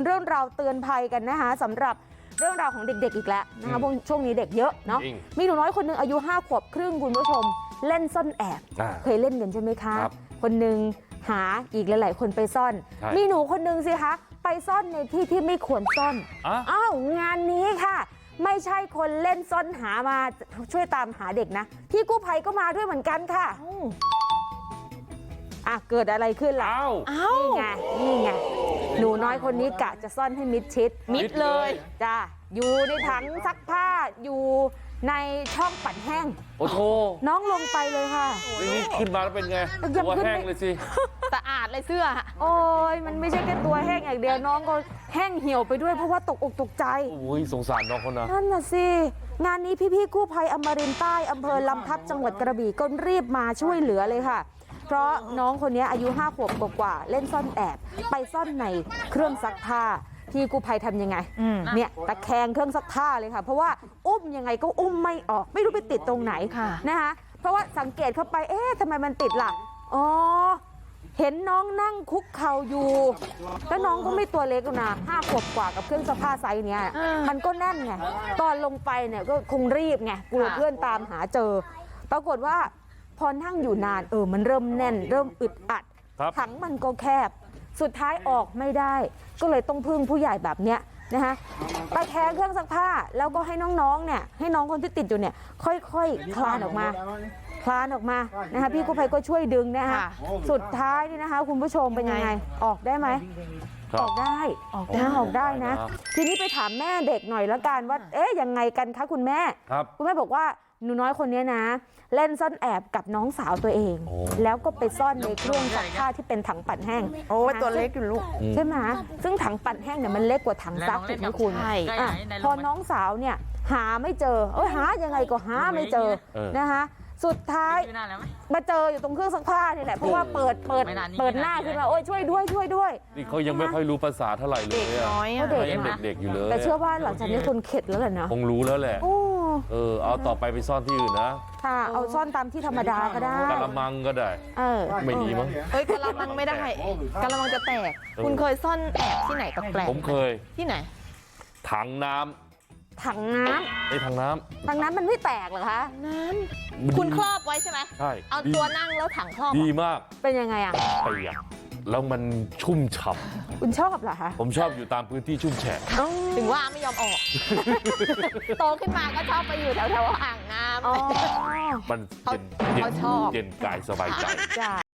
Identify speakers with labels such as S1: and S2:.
S1: รื่องราวเตือนภัยกันนะคะสำหรับเรื่องราวของเด็กๆอีกแล้วนะคะช่วงนี้เด็กเยอะเนาะมีหนูน้อยคนนึงอายุ5 ขวบครึ่งคุณผู้ชมเล่นซ่อนแอบเคยเล่นกันใช่ไหมคะคนนึงหาอีกหลายๆคนไปซ่อนมีหนูคนนึงสิคะไปซ่อนในที่ที่ไม่ควรซ่อนอ้าวงานนี้ค่ะไม่ใช่คนเล่นซ่อนหามาช่วยตามหาเด็กนะพี่กู้ภัยก็มาด้วยเหมือนกันค่ะเกิดอะไรขึ้นล่ะนี่ไงหนูน้อยคนนี้กะจะซ่อนให้มิดชิดมิดเลยจ้าอยู่ในถังซักผ้าอยู่ในช่องปั่นแห้ง
S2: โอ้โห
S1: น้องลงไปเลยค่ะ
S2: นี่ขึ้นมาแล้วเป็นไงตัวแห้งเลยสิ
S3: สะอาดเลยเสื้อ
S1: โอ้ยมันไม่ใช่แค่ตัวแห้งอย่างเดียวน้องก็แห้งเหี่ยวไปด้วยเพราะว่าตกอกตกใจ
S2: โอ้ยสงสารน้องเขานะ
S1: นั่นน่ะสิงานนี้พี่กู้ภัยอมรินทร์ใต้อำเภอลำทับจังหวัดกระบี่ก็รีบมาช่วยเหลือเลยค่ะเพราะน้องคนนี้อายุ5 ขวบกว่าเล่นซ่อนแอบไปซ่อนในเครื่องซักผ้าพี่กู้ภัยทำยังไงเนี่ยตะแคงเครื่องซักผ้าเลยค่ะเพราะว่าอุ้มยังไงก็อุ้มไม่ออกไม่รู้ไปติดตรงไหนนะคะเพราะว่าสังเกตเข้าไปทำไมมันติดล่ะอ๋อเห็นน้องนั่งคุกเข่าอยู่แล้วน้องก็ไม่ตัวเล็กนะ5 ขวบกว่ากับเครื่องซักผ้าไซส์เนี้ยมันก็แน่นไงตอนลงไปเนี่ยก็คงรีบไงกลัวเพื่อนตามหาเจอปรากฏว่าพอนั่งอยู่นานมันเริ่มแน่นเริ่มอึดอัดถังมันก็แคบสุดท้ายออกไม่ได้ก็เลยต้องพึ่งผู้ใหญ่แบบเนี้ยนะคะตะแคงเครื่องซักผ้าแล้วก็ให้น้องๆเนี่ยให้น้องคนที่ติดอยู่เนี่ยค่อยๆคลานออกมานะคะพี่กู้ภัยก็ช่วยดึงนะคะสุดท้ายนี่นะคะคุณผู้ชมเป็นยังไงออกได้ไหมออกได้นะทีนี้ไปถามแม่เด็กหน่อยแล้วกันว่ายังไงกันคะคุณแม่คุณแม่บอกว่าหนูน้อยคนนี้นะเล่นซ่อนแอบกับน้องสาวตัวเองแล้วก็ไปซ่อนในเครื่องซักผ้าที่เป็นถังปั่นแห้ง
S3: ตัวเล็กอยู่ลูก
S1: ใช่ไหมซึ่งถังปั่นแห้งเนี่ยมันเล็กกว่าถังซักถูกไหมคุณพอน้องสาวเนี่ยหาไม่เจอหายังไงก็หาไม่เจอนะคะสุดท้ายมาเจออยู่ตรงเครื่องซักผ้านี่แหละเพราะว่าเปิดหน้าขึ้นมาช่วยด้วย
S2: นี่เขายังไม่ค่อยรู้ภาษาเท่าไหร่เลยยังเด็กอยู่เลย
S1: แต่เชื่อว่าหลังจากนี้คนเข็ดแล้วแหละนะ
S2: คงรู้แล้วแหละเอาต่อไปซ่อนที่อื่นนะ
S1: ค่ะเอาซ่อนตามที่ธรรมดาก็ได้
S2: กะละมังก็ได้ไม่ดีมั้ง
S3: กะละมังไม่ได้กะละมังจะแตกคุณเคยซ่อนแอบที่ไหนกับแปลก
S2: ผมเคย
S3: ที่ไหน
S2: ถังน้ำ
S1: ถังน้ำมันไม่แตกเหรอคะ
S3: น้ำคุณครอบไว้ใช่ไหม
S2: ใช่
S3: เอาตัวนั่งแล้วถังครอบ
S2: ดีมาก
S1: เป็นยังไง
S2: เปียกแล้วมันชุ่มฉ่
S1: ำคุณชอบเหรอคะ
S2: ผมชอบอยู่ตามพื้นที่ชุ่มแฉะ
S3: ถึงว่าไม่ยอมออกโตขึ้นมาก็ชอบไปอยู่แถวอ่างน้ำ
S2: มันเย็นกายสบายใจ